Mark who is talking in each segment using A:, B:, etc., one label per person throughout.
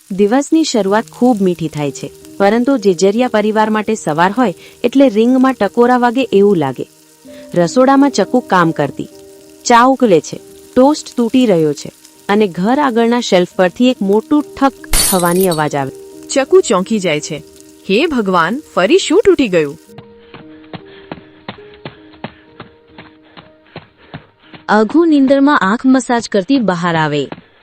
A: દિવસની શરૂઆત ખૂબ મીઠી થાય છે, પરંતુ જેજરિયા પરિવાર માટે સવાર હોય એટલે રીંગમાં ટકોરા વાગે એવું લાગે. રસોડામાં ચક્કુ કામ કરતી, ચા ઉકળે છે, ટોસ્ટ તૂટી રહ્યો છે અને ઘર આગળના શેલ્ફ પરથી એક મોટું ઠક થવાની અવાજ આવે.
B: ચકુ ચોંકી જાય છે. હે ભગવાન, ફરી શું તૂટી ગયું?
A: અઘુ નીંદરમાં આંખ મસાજ કરતી બહાર આવે.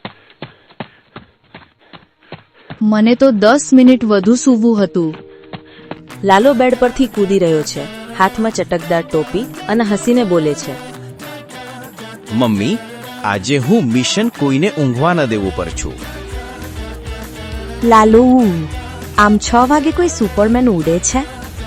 C: મને તો 10 મિનિટ વધુ સૂવું હતું.
A: લાલો બેડ પરથી કૂદી રહ્યો છે, હાથમાં ચટકદાર ટોપી અને હસીને બોલે છે,
D: મમ્મી, આજે હું મિશન કોઈને ઊંઘવા ન દેવું પર છું.
A: લાલો, આમ 6 વાગે કોઈ સુપરમેન ઉડે છે?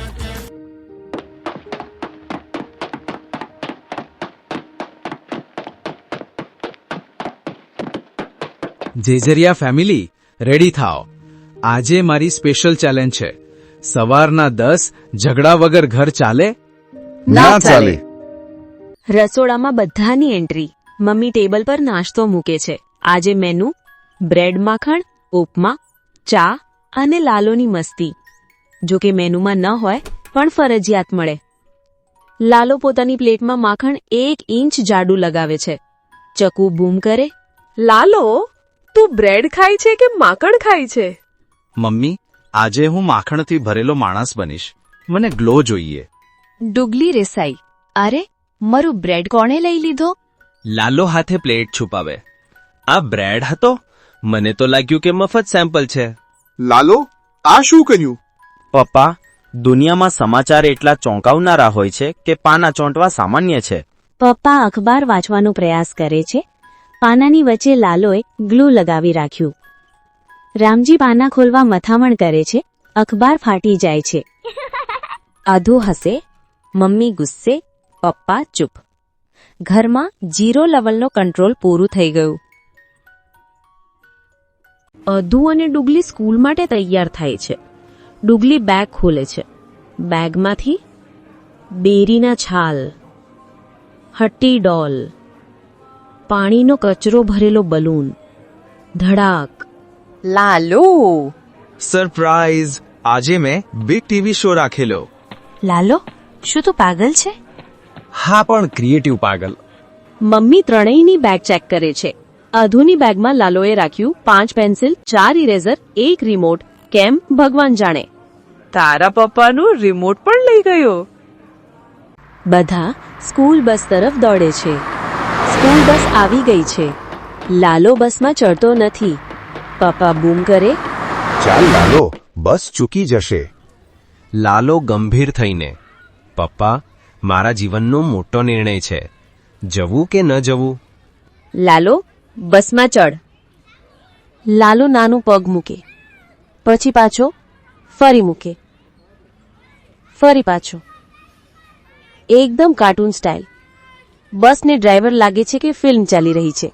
E: જેજરિયા ફેમિલી, રેડી થાઓ. આજે મારી સ્પેશિયલ ચેલેન્જ છે. સવારના 10 ઝઘડા વગર ઘર ચાલે?
B: ના ચાલે.
A: રસોડામાં બધાની એન્ટ્રી. મમ્મી ટેબલ પર નાસ્તો મૂકે છે. આજે મેનુ: બ્રેડ માખણ, ઉપમા, ચા અને લાલોની મસ્તી. જો કે મેનુમાં ન હોય પણ ફરજિયાત મળે. લાલો પોતાની પ્લેટમાં માખણ 1 ઇંચ જાડું લગાવે છે. ચકુ બૂમ કરે,
B: લાલો, તું બ્રેડ ખાય છે કે માખણ ખાય છે?
D: મમ્મી, આજે હું માખણથી ભરેલો માણસ બનીશ. મને ગ્લો જોઈએ.
C: ડુગલી રેસાઈ, અરે મારું બ્રેડ કોણે લઈ લીધો?
F: લાલો હાથે પ્લેટ છુપાવે. આ બ્રેડ હતો? મને તો લાગ્યું કે મફત સેમ્પલ છે.
G: લાલો, આ શું કર્યું?
F: પપ્પા, દુનિયામાં સમાચાર એટલા ચોંકાવનારા હોય છે કે પાના ચોંટવા સામાન્ય છે.
A: પપ્પા અખબાર વાંચવાનો પ્રયાસ કરે છે. પાનાની વચ્ચે લાલોએ ગ્લુ લગાવી રાખ્યું. રામજી પાના ખોલવા મથામણ કરે છે. અખબાર ફાટી જાય છે. આધુ હસે, મમ્મી ગુસ્સે, પપ્પા ચૂપ. ઘરમાં 0 લેવલનો કંટ્રોલ પૂરું થઈ ગયું. અધુ અને ડુગલી સ્કૂલ માટે તૈયાર થાય છે. ડુગલી બેગ ખોલે છે. બેગમાંથી બેરીના છાલ, હટ્ટી ડોલ, પાણીનો કચરો ભરેલો બલૂન, ધડાક.
B: લાલો,
D: સરપ્રાઈઝ! આજે મેં બિગ ટીવી શો રાખેલો.
A: લાલો, શું તું પાગલ છે?
E: હા, પણ ક્રિએટિવ પાગલ.
A: મમ્મી ત્રણેયની બેગ ચેક કરે છે. અધુની બેગમાં લાલોએ રાખ્યું 5 પેન્સિલ, 4 ઇરેઝર, 1 રિમોટ. કેમ, ભગવાન જાણે.
B: તારા પપ્પાનું રિમોટ પણ લઈ ગયો.
A: બધા સ્કૂલ બસ તરફ દોડે છે. સ્કૂલ બસ આવી ગઈ છે. લાલો બસમાં ચડતો નથી. પપ્પા બૂમ કરે,
G: ચાલ લાલો, બસ ચૂકી જશે.
F: લાલો ગંભીર થઈને, પપ્પા, મારા જીવનનો મોટો નિર્ણય છે. જવું કે ન જવું?
A: લાલો, બસમાં ચડ. લાલો નાનું પગ મૂકે, પછી પાછો, ફરી મૂકે, ફરી પાછો. એકદમ કાર્ટૂન સ્ટાઇલ. બસને ડ્રાઈવર લાગે છે કે ફિલ્મ ચાલી રહી છે.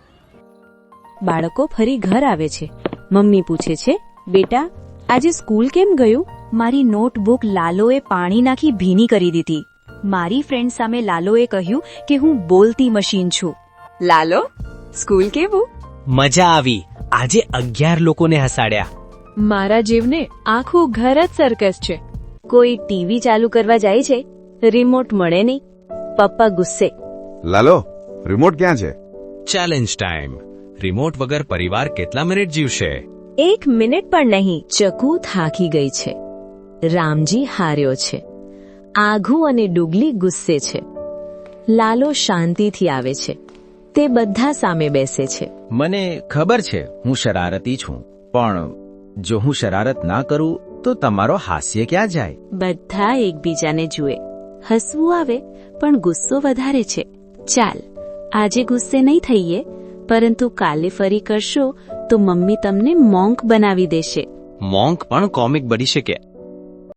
A: બાળકો ફરી ઘર આવે છે. મમ્મી પૂછે છે, બેટા, આજે સ્કૂલ કેમ ગયું?
C: મારી નોટબુક લાલોએ પાણી નાખી ભીની કરી દીધી. મારી ફ્રેન્ડ સામે લાલોએ કહ્યું કે હું બોલતી મશીન છું.
B: લાલો, સ્કૂલ કેવું?
F: મજા આવી. આજે 11 લોકોને હસાડ્યા.
B: મારા જીવને આખું ઘર જ સર્કસ છે.
A: કોઈ ટીવી ચાલુ કરવા જાય છે, રિમોટ મળે નહીં. પપ્પા ગુસ્સે,
G: લાલો, રિમોટ ક્યાં છે?
F: Challenge time. રિમોટ વગર પરિવાર કેટલા મિનિટ જીવશે?
A: 1 મિનિટ પણ નહીં. ચકુ થાકી ગઈ છે. રામજી હાર્યો છે. આઘુ અને ડુગલી ગુસ્સે છે. લાલો શાંતિથી આવે છે. તે બધા સામે બેસે છે.
D: મને ખબર છે હું શરારતી છું, પણ જો હું શરારત ના કરું તો તમારો હાસ્ય ક્યાં જાય?
A: બધા એકબીજાને જુએ. હસવું આવે, પણ ગુસ્સો વધારે છે. ચાલ, આજે ગુસ્સે નહીં થઈએ, પરંતુ કાલે ફરી કરશો તો મમ્મી તમને મોંક બનાવી દેશે.
F: મોંક પણ કોમિક બની શકે.